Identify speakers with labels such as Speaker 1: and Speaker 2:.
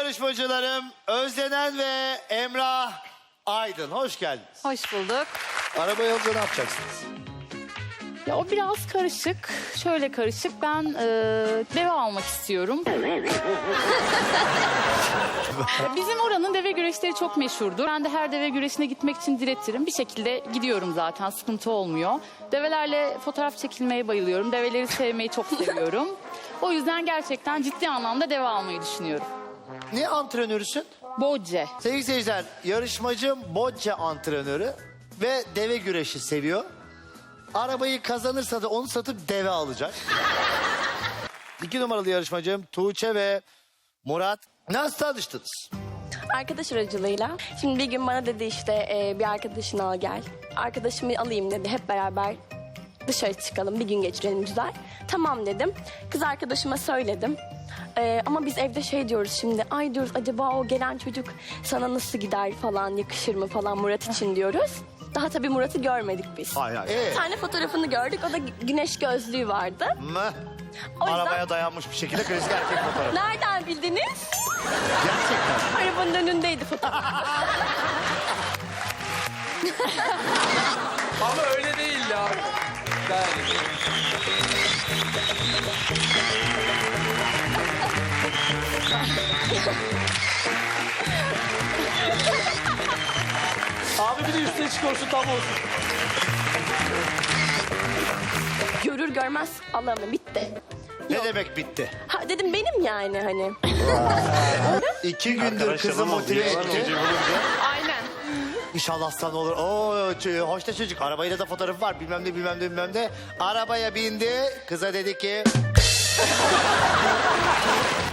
Speaker 1: yarışmacılarım Özlenen ve Emrah Aydın. Hoş geldiniz.
Speaker 2: Hoş bulduk.
Speaker 1: Arabayı alınca ne yapacaksınız?
Speaker 2: Ya o biraz karışık. Şöyle karışık. Ben deve almak istiyorum. Bizim oranın deve güreşleri çok meşhurdur. Ben de her deve güreşine gitmek için diretirim. Bir şekilde gidiyorum zaten. Sıkıntı olmuyor. Develerle fotoğraf çekilmeye bayılıyorum. Develeri sevmeyi çok seviyorum. O yüzden gerçekten ciddi anlamda deve almayı düşünüyorum.
Speaker 1: Ne antrenörüsün?
Speaker 2: Bocce.
Speaker 1: Sevgili seyirciler, yarışmacım bocce antrenörü ve deve güreşi seviyor. Arabayı kazanırsa da onu satıp deve alacak. 2 numaralı yarışmacım Tuğçe ve Murat. Nasıl tanıştınız?
Speaker 3: Arkadaş aracılığıyla. Şimdi bir gün bana dedi işte bir arkadaşını al gel. Arkadaşımı alayım dedi. Hep beraber dışarı çıkalım, bir gün geçirelim güzel. Tamam dedim. Kız arkadaşıma söyledim. Ama biz evde şey diyoruz şimdi. Ay diyoruz acaba o gelen çocuk sana nasıl gider falan, yakışır mı falan Murat için diyoruz. Daha tabii Murat'ı görmedik biz.
Speaker 1: Hayır.
Speaker 3: Bir tane fotoğrafını gördük. O da güneş gözlüğü vardı. O yüzden
Speaker 1: Arabaya dayanmış bir şekilde klasik erkek fotoğrafı.
Speaker 3: nereden bildiniz?
Speaker 1: Gerçekten.
Speaker 3: Arabanın önündeydi fotoğraf.
Speaker 4: Ama öyle değil ya. Yani. Abi bir de üstüne çıkıyorsun tam olsun.
Speaker 3: Görür görmez Allah'ım bitti.
Speaker 1: Ne demek bitti?
Speaker 3: Ha dedim benim yani hani.
Speaker 1: 2 gündür kızı motive etti.
Speaker 2: Aynen.
Speaker 1: İnşallah sana olur. Oo, hoş da çocuk. Arabayla da fotoğrafı var. Bilmem ne. Arabaya bindi. Kıza dedi ki...